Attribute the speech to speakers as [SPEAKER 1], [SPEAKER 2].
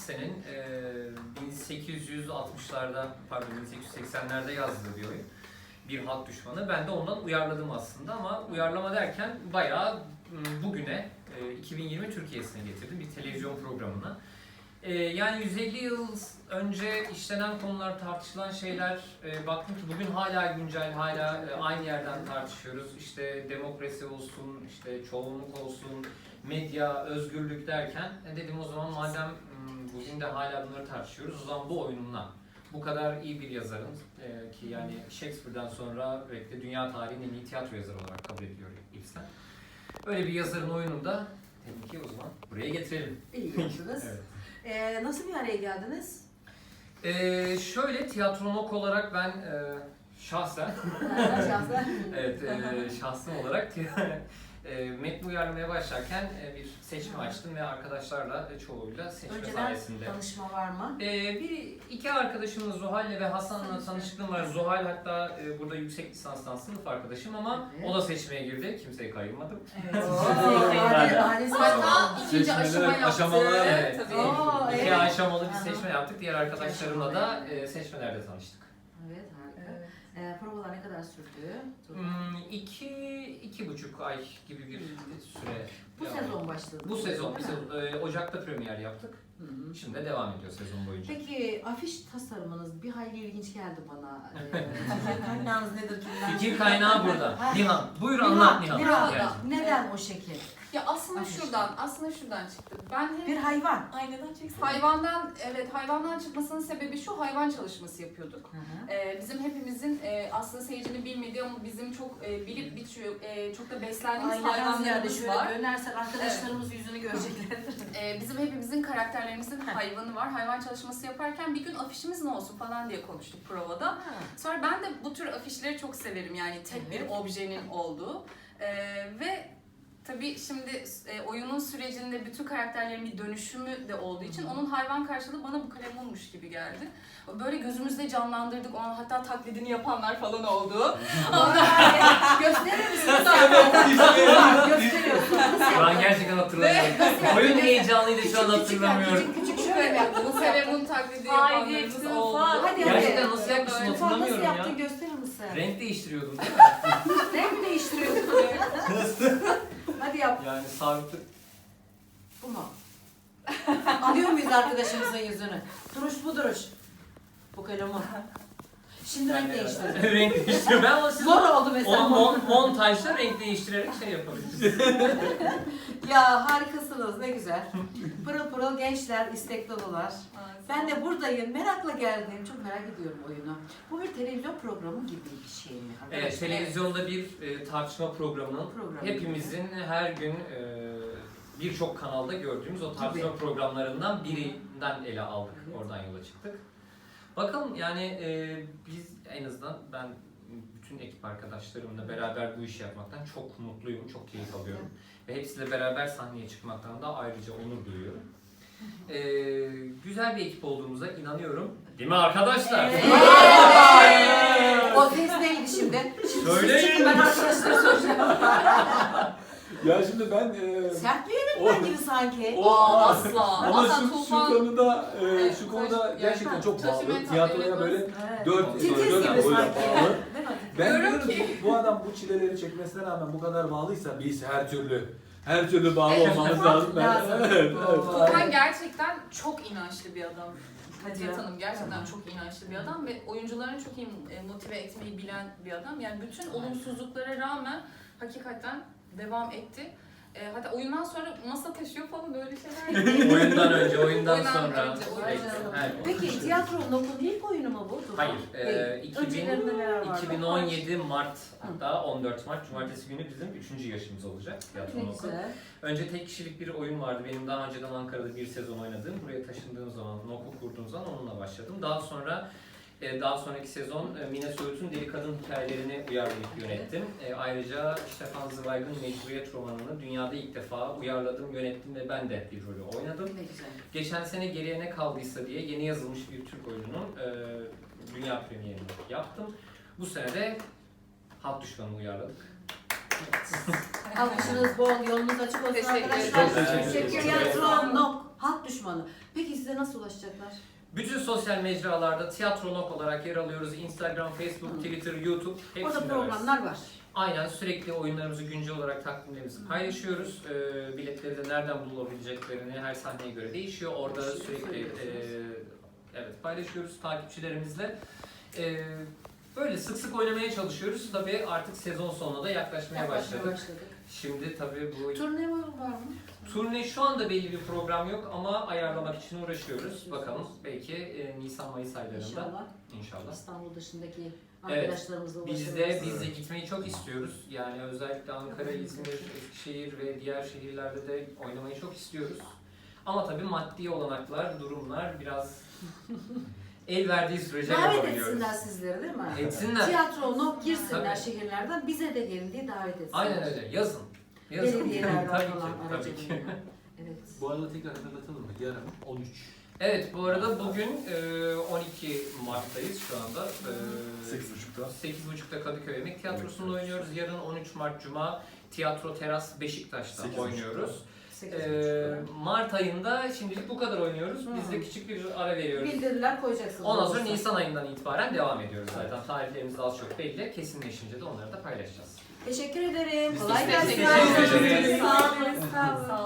[SPEAKER 1] Ibsen'in 1860'larda, pardon 1880'lerde yazdığı bir oyun. Bir halk düşmanı. Ben de ondan uyarladım aslında ama uyarlama derken bayağı bugüne 2020 Türkiye'sine getirdim bir televizyon programına. Yani 150 yıl önce işlenen konular, tartışılan şeyler, baktım ki bugün hala güncel, hala aynı yerden tartışıyoruz. İşte demokrasi olsun, işte çoğunluk olsun, medya, özgürlük derken dedim o zaman madem bugün de hala bunları tartışıyoruz, o zaman bu oyunla bu kadar iyi bir yazarın ki yani Shakespeare'den sonra belki de dünya tarihinin en iyi tiyatro yazarı olarak kabul ediliyor Ibsen. Öyle bir yazarın oyununu da tabii ki o zaman buraya getirelim.
[SPEAKER 2] İyi yaptınız.
[SPEAKER 1] Evet.
[SPEAKER 2] Nasıl bir araya geldiniz?
[SPEAKER 1] Şöyle tiyatronog olarak ben şahsen evet şahsım olarak metni uyarlamaya başlarken bir seçme açtım ve arkadaşlarla çoğuyla seçme
[SPEAKER 2] Önceden
[SPEAKER 1] sayesinde.
[SPEAKER 2] tanışma var mı?
[SPEAKER 1] İki arkadaşımız Zuhal'le ve Hasan'la tanışıklığım var. Zuhal hatta burada yüksek lisanstan sınıf arkadaşım ama
[SPEAKER 2] Evet.
[SPEAKER 1] o da seçmeye girdi. Kimseyi kayırmadım.
[SPEAKER 2] Evet.
[SPEAKER 3] Hatta ikinci aşama yaptı.
[SPEAKER 4] aşamalı.
[SPEAKER 1] Evet.
[SPEAKER 3] Tabii.
[SPEAKER 2] Oo,
[SPEAKER 1] İki
[SPEAKER 2] evet.
[SPEAKER 1] aşamalı bir
[SPEAKER 2] Aha.
[SPEAKER 1] seçme yaptık. Diğer arkadaşlarımla da seçmelerde tanıştık.
[SPEAKER 2] Evet, harika.
[SPEAKER 3] Evet.
[SPEAKER 2] Provalar ne kadar sürdü?
[SPEAKER 1] 2,5 ay gibi bir süre.
[SPEAKER 2] Bu
[SPEAKER 1] devam
[SPEAKER 2] sezon
[SPEAKER 1] etti.
[SPEAKER 2] başladı.
[SPEAKER 1] Bu sezon.
[SPEAKER 2] değil mi?
[SPEAKER 1] Ocak'ta premier yaptık.
[SPEAKER 2] Hı hı.
[SPEAKER 1] Şimdi de devam ediyor sezon boyunca.
[SPEAKER 2] Peki afiş tasarımınız bir hayli ilginç geldi bana. Fikir kaynağınız nedir? Kimden?
[SPEAKER 1] Fikir kaynağı burada.
[SPEAKER 2] Ha.
[SPEAKER 1] Nihan. Buyur anlat Nihan.
[SPEAKER 2] Nihan,
[SPEAKER 1] Gel.
[SPEAKER 2] neden o şekil?
[SPEAKER 3] Ya aslında
[SPEAKER 2] Afiş.
[SPEAKER 3] şuradan çıktı. Ben hep
[SPEAKER 2] Bir hayvan.
[SPEAKER 3] Ay neden çeksin? Hayvandan çıkmasının sebebi şu, hayvan çalışması yapıyorduk.
[SPEAKER 2] Hı hı.
[SPEAKER 3] Bizim hepimizin aslında seyircinin bilmediği ama bizim çok bilip biçiyor, çok da beslendiğimiz hayvanlarımız
[SPEAKER 2] şöyle
[SPEAKER 3] var.
[SPEAKER 2] dönersen arkadaşlarımız yüzünü görecekler.
[SPEAKER 3] Bizim hepimizin karakterlerimizin hayvanı var. Hayvan çalışması yaparken bir gün afişimiz ne olsun falan diye konuştuk provada. Sonra ben de bu tür afişleri çok severim, yani tek bir objenin olduğu. Ve tabii şimdi oyunun sürecinde bütün karakterlerin bir dönüşümü de olduğu için onun hayvan karşılığı bana bu kalemunmuş gibi geldi. Böyle gözümüzde canlandırdık, onun hatta taklidini yapanlar falan oldu.
[SPEAKER 2] Gösterir misiniz? Gösteriyorsunuz.
[SPEAKER 1] Şu an gerçekten hatırlamıyorum. Oyun heyecanlıydı şu an hatırlamıyorum.
[SPEAKER 2] Küçük şöyle yaptım.
[SPEAKER 3] Bu kalemun taklidi yapanlarımız oldu.
[SPEAKER 2] Hadi
[SPEAKER 1] Gerçekten nasıl yapmışsın
[SPEAKER 3] Böyle.
[SPEAKER 2] Nasıl
[SPEAKER 1] hatırlamıyorum
[SPEAKER 2] yaptın
[SPEAKER 1] ya.
[SPEAKER 2] gösterir misin?
[SPEAKER 1] Renk değiştiriyordum.
[SPEAKER 2] Renk mi değiştiriyorsun? Hadi yap.
[SPEAKER 1] Yani sabitli.
[SPEAKER 2] Bu mu? Alıyor muyuz arkadaşımızın yüzünü? Duruş bu duruş. Bu kalemun. Şimdi renk değiştirdim.
[SPEAKER 1] Renk değiştiriyor. Ben ama siz
[SPEAKER 2] Zor oldu mesela.
[SPEAKER 1] onu montajda renk değiştirerek şey yapabilirsiniz.
[SPEAKER 2] Ya harikasınız, ne güzel. Pırıl pırıl gençler, istek dolular. Ben de buradayım, merakla geldim. Çok merak ediyorum oyunu. Bu bir televizyon programı gibi bir şey mi?
[SPEAKER 1] Evet, televizyonda bir tartışma programının hepimizin her gün birçok kanalda gördüğümüz o tartışma programlarından birinden ele aldık.
[SPEAKER 2] Evet.
[SPEAKER 1] Oradan yola çıktık. Bakalım yani biz en azından ben bütün ekip arkadaşlarımla beraber bu işi yapmaktan çok mutluyum, çok keyif alıyorum. Ve hepsiyle beraber sahneye çıkmaktan da ayrıca onur duyuyorum. Güzel bir ekip olduğumuza inanıyorum. Değil mi arkadaşlar?
[SPEAKER 2] O ses neydi şimdi?
[SPEAKER 1] Söyleyin.
[SPEAKER 2] Ben arkadaşlara soracağım.
[SPEAKER 4] Ya şimdi ben
[SPEAKER 2] Sert bir yönetmen gibi sanki.
[SPEAKER 3] Asla.
[SPEAKER 4] ama
[SPEAKER 3] Asla
[SPEAKER 4] şu
[SPEAKER 3] Tufan.
[SPEAKER 4] konuda
[SPEAKER 3] Evet,
[SPEAKER 4] şu konuda gerçekten çok bağlı.
[SPEAKER 3] Taşıma
[SPEAKER 4] Tiyatroya
[SPEAKER 3] tabii,
[SPEAKER 4] böyle
[SPEAKER 2] Evet.
[SPEAKER 4] dört
[SPEAKER 2] Titiz
[SPEAKER 4] böyle
[SPEAKER 2] gibi
[SPEAKER 4] böyle
[SPEAKER 2] sanki.
[SPEAKER 4] bağlı.
[SPEAKER 2] Değil mi?
[SPEAKER 4] Ben
[SPEAKER 3] Diyorum
[SPEAKER 4] diyorum ki bu adam bu çileleri çekmesine rağmen bu kadar bağlıysa biz her türlü bağlı olmamız lazım.
[SPEAKER 2] Lazım.
[SPEAKER 4] Evet.
[SPEAKER 3] Tufan gerçekten çok inançlı bir adam.
[SPEAKER 2] Hadi
[SPEAKER 3] Hatice
[SPEAKER 2] ya.
[SPEAKER 3] Hanım gerçekten
[SPEAKER 2] Tamam.
[SPEAKER 3] çok inançlı bir adam ve oyuncularını çok iyi motive etmeyi bilen bir adam. Yani bütün olumsuzluklara rağmen hakikaten devam etti. Hatta oyundan sonra masa taşıyor falan öyle şeyler.
[SPEAKER 1] Oyundan önce, oyundan
[SPEAKER 3] Oyundan
[SPEAKER 1] sonra.
[SPEAKER 3] önce, oyundan
[SPEAKER 1] Evet,
[SPEAKER 3] sonra.
[SPEAKER 1] evet.
[SPEAKER 2] Peki tiyatronun okulun ilk oyunu mu bu? Tufan?
[SPEAKER 1] Hayır,
[SPEAKER 2] Değil. Öncelerinde neler vardı?
[SPEAKER 1] 2017 Mart, hatta 14 Mart Cumartesi günü bizim 3. yaşımız olacak tiyatro
[SPEAKER 2] Ne
[SPEAKER 1] okul.
[SPEAKER 2] güzel.
[SPEAKER 1] Önce tek kişilik bir oyun vardı. Benim daha önceden Ankara'da bir sezon oynadığım. Buraya taşındığım zaman, okul kurduğum zaman onunla başladım. Daha sonraki sezon Mine Söğüt'ün Deli Kadın hikayelerini uyarlayıp yönettim. Ayrıca Stefan Zweig'ın Mecburiyet romanını dünyada ilk defa uyarladım, yönettim ve ben de bir rolü oynadım.
[SPEAKER 2] Ne güzel.
[SPEAKER 1] Geçen sene Geriye Ne Kaldıysa diye yeni yazılmış bir Türk oyununun dünya premierini yaptım. Bu sene de Halk Düşmanı'nı uyarladık.
[SPEAKER 2] Alkışınız bol, yolunuz açık olsun
[SPEAKER 3] Teşekkür
[SPEAKER 2] arkadaşlar.
[SPEAKER 3] ederim.
[SPEAKER 1] Çok teşekkür ederim.
[SPEAKER 2] Tiyatronok. Halk düşmanı. Peki size nasıl ulaşacaklar?
[SPEAKER 1] Bütün sosyal mecralarda Tiyatronok olarak yer alıyoruz. Instagram, Facebook, Twitter, YouTube
[SPEAKER 2] Orada
[SPEAKER 1] hepsinde
[SPEAKER 2] programlar var.
[SPEAKER 1] Aynen, sürekli oyunlarımızı güncel olarak takvimlerimizi paylaşıyoruz. Biletleri de nereden bulabileceklerini her sahneye göre değişiyor. Orada
[SPEAKER 2] Değişiyor,
[SPEAKER 1] sürekli
[SPEAKER 2] söylüyorsunuz.
[SPEAKER 1] evet paylaşıyoruz takipçilerimizle. Böyle sık sık oynamaya çalışıyoruz. Tabii artık sezon sonuna da yaklaşmaya başladık. Şimdi tabii bu
[SPEAKER 2] Turne var mı?
[SPEAKER 1] turne şu anda belli bir program yok ama ayarlamak için uğraşıyoruz. Bakalım belki Nisan-Mayıs aylarında
[SPEAKER 2] İnşallah.
[SPEAKER 1] inşallah.
[SPEAKER 2] İstanbul dışındaki
[SPEAKER 1] Evet,
[SPEAKER 2] arkadaşlarımızla
[SPEAKER 1] Biz
[SPEAKER 2] ulaşırız.
[SPEAKER 1] de gitmeyi çok istiyoruz. Yani özellikle Ankara, İzmir, Eskişehir ve diğer şehirlerde de oynamayı çok istiyoruz. Ama tabii maddi olanaklar, durumlar biraz el verdiği sürece
[SPEAKER 2] Davet
[SPEAKER 1] yapabiliyoruz.
[SPEAKER 2] etsinler sizleri değil mi?
[SPEAKER 1] Etsinler.
[SPEAKER 2] Tiyatro girsinler
[SPEAKER 1] Tabii.
[SPEAKER 2] şehirlerden, bize de gelin diye davet etsinler.
[SPEAKER 1] Aynen öyle. Yazın. Yazın.
[SPEAKER 2] Belediyelerden
[SPEAKER 1] tabii ki.
[SPEAKER 2] falan
[SPEAKER 1] Tabii ki.
[SPEAKER 2] aracılığıyla. Evet.
[SPEAKER 4] Bu arada tekrar hatırlatalım mı? Yarın 13.
[SPEAKER 1] Evet, bu arada bugün 12 Mart'tayız şu anda.
[SPEAKER 4] 8.30'da.
[SPEAKER 1] 8.30'da Kadıköy Emek Tiyatrosu'nda oynuyoruz. Yarın 13 Mart Cuma Tiyatro Teras Beşiktaş'ta
[SPEAKER 4] 8.30'da.
[SPEAKER 1] oynuyoruz.
[SPEAKER 2] 8.30'da.
[SPEAKER 1] Mart ayında şimdilik bu kadar oynuyoruz. Biz de küçük bir ara veriyoruz.
[SPEAKER 2] Bildiriler koyacaksınız.
[SPEAKER 1] Ondan sonra
[SPEAKER 2] olursa.
[SPEAKER 1] Nisan ayından itibaren devam ediyoruz zaten. Tarihlerimiz az çok belli. Kesinleşince de onları da paylaşacağız.
[SPEAKER 2] Teşekkür ederim.
[SPEAKER 1] Biz
[SPEAKER 2] Kolay
[SPEAKER 1] de
[SPEAKER 2] gelsin.
[SPEAKER 1] teşekkür ederiz.
[SPEAKER 2] Sağ olun. Sağ olun.